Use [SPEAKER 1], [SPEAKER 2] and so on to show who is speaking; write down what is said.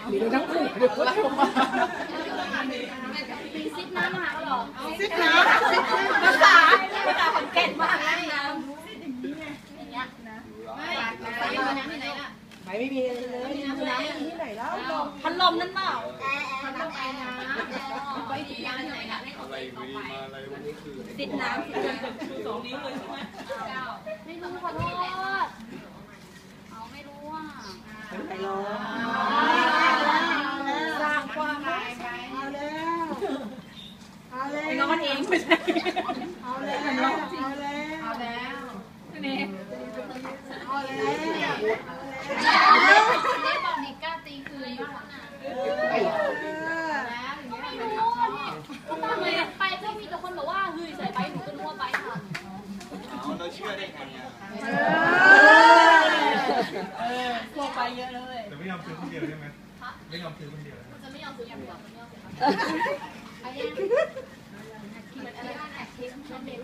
[SPEAKER 1] หรือทั้งคู่เดี๋ยวเรา
[SPEAKER 2] มีซิปน้ำมาหาเขาหรอ
[SPEAKER 1] ซิปน้ำซิปภาษา
[SPEAKER 2] ขอนแก่นมากนะน้ำอย่างเงี้ยนะ
[SPEAKER 1] ไม่มีเลยน้ำที่ไหนแล้ว
[SPEAKER 2] พัดลมนั่นเปล่าพัดลมแอร์นะไปถึงงานไหนนะอะไรไม่ดีมาอะไรวันนี้คือติดน้ำ2 นิ้วเลยใช่ไหมไม่รู้ขอโทษเอาไม่รู้อ่ะ
[SPEAKER 1] ไม่รอสร้างความเอาแล้วเอาแล้ว
[SPEAKER 2] เป็นน้องเองไม่ใช่
[SPEAKER 1] เอาแล้วเอาแล้ว
[SPEAKER 2] นี่
[SPEAKER 1] เอาแล้ว
[SPEAKER 2] นี่บอกนิก้าตีคืนอยู่ไม่รู้ทำไมไปก็มีแต่คนบอกว่าเฮ้ยใส่ไปหนูก็รู้ว่าไปค่ะ
[SPEAKER 3] เราเชื่อได้ไง
[SPEAKER 2] กลัวไปเยอะเลย
[SPEAKER 3] แต่ไม่ยอมซื้อคนเดียวใช่ไหมไม่ยอมซื้อคนเดียว
[SPEAKER 2] จะไม่ยอมซื้ออย่างเดียวมันไม่ยอมซื้อ